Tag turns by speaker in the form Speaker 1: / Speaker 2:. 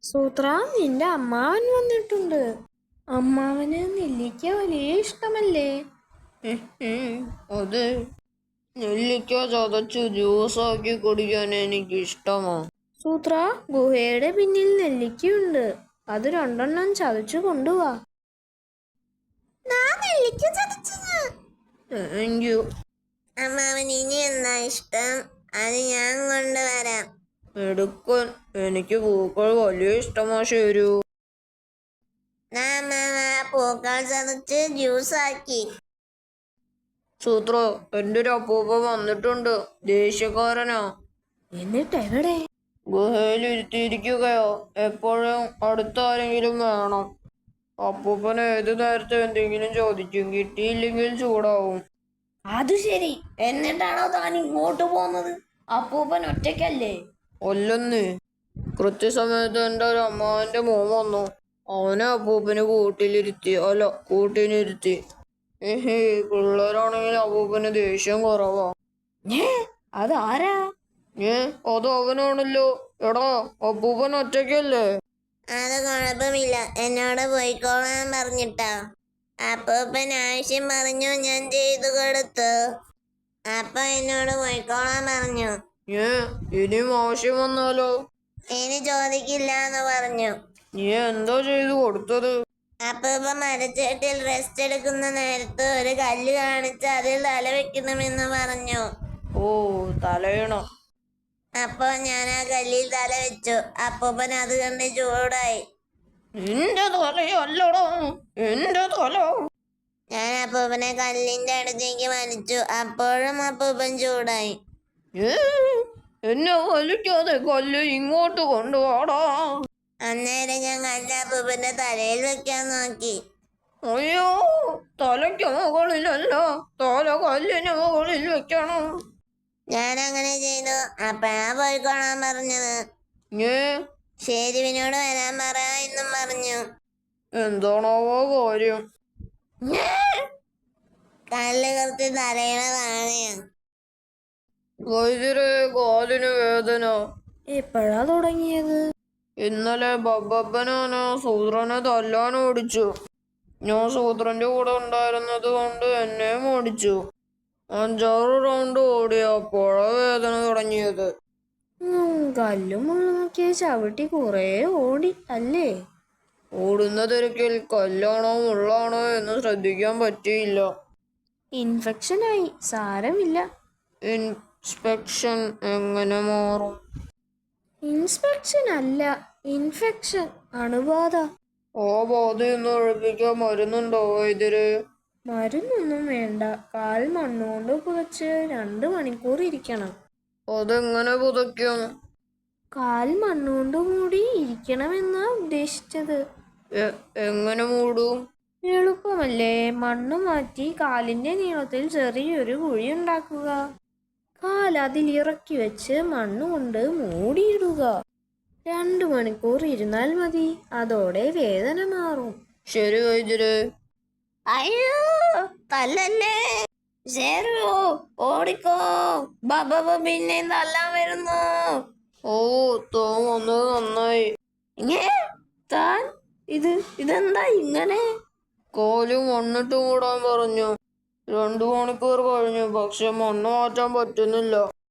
Speaker 1: സൂത്ര, നിന്റെ അമ്മാവൻ വന്നിട്ടുണ്ട്. അമ്മാവന് നെല്ലിക്ക വലിയ ഇഷ്ടമല്ലേ?
Speaker 2: അതെ, നെല്ലിക്ക ചതച്ച് ജ്യൂസാക്കി കുടിക്കാൻ എനിക്ക് ഇഷ്ടമാ.
Speaker 1: സൂത്ര, ഗുഹയുടെ പിന്നിൽ നെല്ലിക്കയുണ്ട്. അത് 2 ചതച്ചു കൊണ്ടുവാ.
Speaker 2: Thank you.
Speaker 3: അമ്മാവന് ഇനി എന്താ ഇഷ്ടം? അത് ഞാൻ കൊണ്ടുവരാം.
Speaker 2: എടുക്കൻ, എനിക്ക് പൂക്കൾ വലിയ ഇഷ്ടമാ. ശരു,
Speaker 3: അമ്മാവ പൂക്കൾ ചതച്ച് ജ്യൂസാക്കി.
Speaker 2: സൂത്ര, എന്റെ ഒരു അപ്പൂപ്പ വന്നിട്ടുണ്ട്. ദേഷ്യക്കാരനാ.
Speaker 1: എന്നിട്ട് എവിടെ?
Speaker 2: ഗുഹയിൽ ഇരുത്തിയിരിക്കുകയോ. എപ്പോഴും അടുത്ത ആരെങ്കിലും വേണം. അപ്പൂപ്പൻ ഏത് നേരത്തെ എന്തെങ്കിലും ചോദിക്കും. കിട്ടിയില്ലെങ്കിൽ ചൂടാവും.
Speaker 1: അത് ശരി. എന്നിട്ടാണോ താൻ ഇങ്ങോട്ട് പോകുന്നത്? അപ്പൂപ്പൻ ഒറ്റയ്ക്കല്ലേ?
Speaker 2: അല്ലെന്ന്, കൃത്യസമയത്ത് എൻ്റെ ഒരു അമ്മാവന്റെ മോൻ വന്നു. അവനെ അപ്പൂപ്പന് കൂട്ടിനിരുത്തി. പിള്ളേരാണെങ്കിൽ അപ്പൂപ്പന് ദേഷ്യം കുറവാ.
Speaker 1: അതാരാ?
Speaker 2: അത് അവനാണല്ലോ. എടാ, അപ്പൂപ്പൻ ഒറ്റയ്ക്കല്ലേ?
Speaker 3: അത് കുഴപ്പമില്ല, എന്നോട് പോയിക്കോളാൻ പറഞ്ഞിട്ടാ. അപ്പൂപ്പൻ ആവശ്യം പറഞ്ഞു, ഞാൻ ചെയ്തു കൊടുത്തു. അപ്പൊ എന്നോട് പോയിക്കോളാൻ പറഞ്ഞു.
Speaker 2: ഇനിയും ആവശ്യം വന്നാലോ?
Speaker 3: ഇനി ചോദിക്കില്ല എന്ന് പറഞ്ഞു.
Speaker 2: നീ എന്താ ചെയ്തു കൊടുത്തത്?
Speaker 3: അപ്പൂപ്പ മരച്ചേട്ടിൽ റെസ്റ്റ് എടുക്കുന്ന നേരത്ത് ഒരു കല്ല് കാണിച്ച് അതിൽ തല വെക്കണമെന്ന് പറഞ്ഞു.
Speaker 2: ഓ, തലയണ.
Speaker 3: അപ്പൊ ഞാൻ ആ കല്ലിൽ തല വെച്ചു. അപ്പൂപ്പൻ അത് കണ്ട് ചൂടായി.
Speaker 2: എന്റെ തലയല്ലടോ, എന്റെ തല.
Speaker 3: ഞാൻ അപ്പൂപ്പനെ കല്ലിന്റെ അടുത്തേക്ക് വലിച്ചു. അപ്പോഴും അപ്പൂപ്പൻ ചൂടായി.
Speaker 2: എന്നെ വലിക്കാതെ കല്ല് ഇങ്ങോട്ട് കൊണ്ടുപോടാ.
Speaker 3: അന്നേരം ഞാൻ കല്ല് അപ്പൂപ്പന്റെ തലയിൽ വെക്കാൻ നോക്കി.
Speaker 2: അയ്യോ, തലയ്ക്ക് മുകളിലല്ല, തല കല്ലിന് മുകളിൽ വെക്കണം.
Speaker 3: ഞാൻ അങ്ങനെ ചെയ്തു. അപ്പഴാ പോയിക്കോളാൻ പറഞ്ഞത്. ഷേരുവിനോട് വരാൻ പറ എന്നും പറഞ്ഞു.
Speaker 2: എന്താണാവോ കാര്യം?
Speaker 3: കല്ല് കുറച്ച് തലയണ താഴെയാ.
Speaker 2: വൈദ്യരെ, കാലിന് വേദന.
Speaker 1: എപ്പോഴാ തുടങ്ങിയത്?
Speaker 2: ഇന്നലെ ബബ്ബപ്പനാണ് സൂത്രനെ തല്ലാൻ ഓടിച്ചു. ഞാൻ സൂത്രന്റെ കൂടെ ഉണ്ടായിരുന്നത് കൊണ്ട് എന്നെയും ഓടിച്ചു. 5-6 റൗണ്ട് ഓടിയപ്പോഴാ വേദന തുടങ്ങിയത്.
Speaker 1: കല്ലും മുള്ളുമൊക്കെ ചവിട്ടി കുറേ ഓടി അല്ലേ?
Speaker 2: ഓടുന്ന തിരക്കിൽ കല്ലാണോ മുള്ളാണോ എന്ന് ശ്രദ്ധിക്കാൻ പറ്റിയില്ല.
Speaker 1: ഇൻഫെക്ഷനായി. സാരമില്ല.
Speaker 2: ഇൻസ്പെക്ഷൻ എങ്ങനെ മാറും?
Speaker 1: ഇൻസ്പെക്ഷൻ അല്ല, ഇൻഫെക്ഷൻ. അണുബാധ.
Speaker 2: ആ ബാധയൊന്ന് ഒഴിപ്പിക്കാൻ മരുന്നുണ്ടോ വൈദ്യര്?
Speaker 1: മരുന്നൊന്നും വേണ്ട. കാൽ മണ്ണുകൊണ്ട് പുതച്ച് 2 മണിക്കൂർ ഇരിക്കണം.
Speaker 2: അതെങ്ങനെ പുതയ്ക്കും?
Speaker 1: കാൽ മണ്ണുകൊണ്ട് മൂടി ഇരിക്കണമെന്നാ ഉദ്ദേശിച്ചത്.
Speaker 2: എങ്ങനെ മൂടും?
Speaker 1: എളുപ്പമല്ലേ. മണ്ണ് മാറ്റി കാലിന്റെ നീളത്തിൽ ചെറിയൊരു കുഴി ഉണ്ടാക്കുക. കാൽ അതിൽ ഇറക്കി വെച്ച് മണ്ണുകൊണ്ട് മൂടിയിടുക. 2 മണിക്കൂർ ഇരുന്നാൽ മതി. അതോടെ വേദന മാറും.
Speaker 2: ശരി വൈദ്യര്.
Speaker 3: അയ്യോ, തല്ലല്ലേ. ഷേരു, ഓടിക്കോ. ബബ്ബ പിന്നെ തല്ലാൻ വരുന്നു.
Speaker 2: ഓ, താൻ വന്നത് നന്നായി.
Speaker 1: താൻ ഇതെന്താ ഇങ്ങനെ?
Speaker 2: കാല് മണ്ണിട്ട് മൂടാൻ പറഞ്ഞു. 2 മണിക്കൂർ കഴിഞ്ഞു, പക്ഷെ മണ്ണ് മാറ്റാൻ പറ്റുന്നില്ല.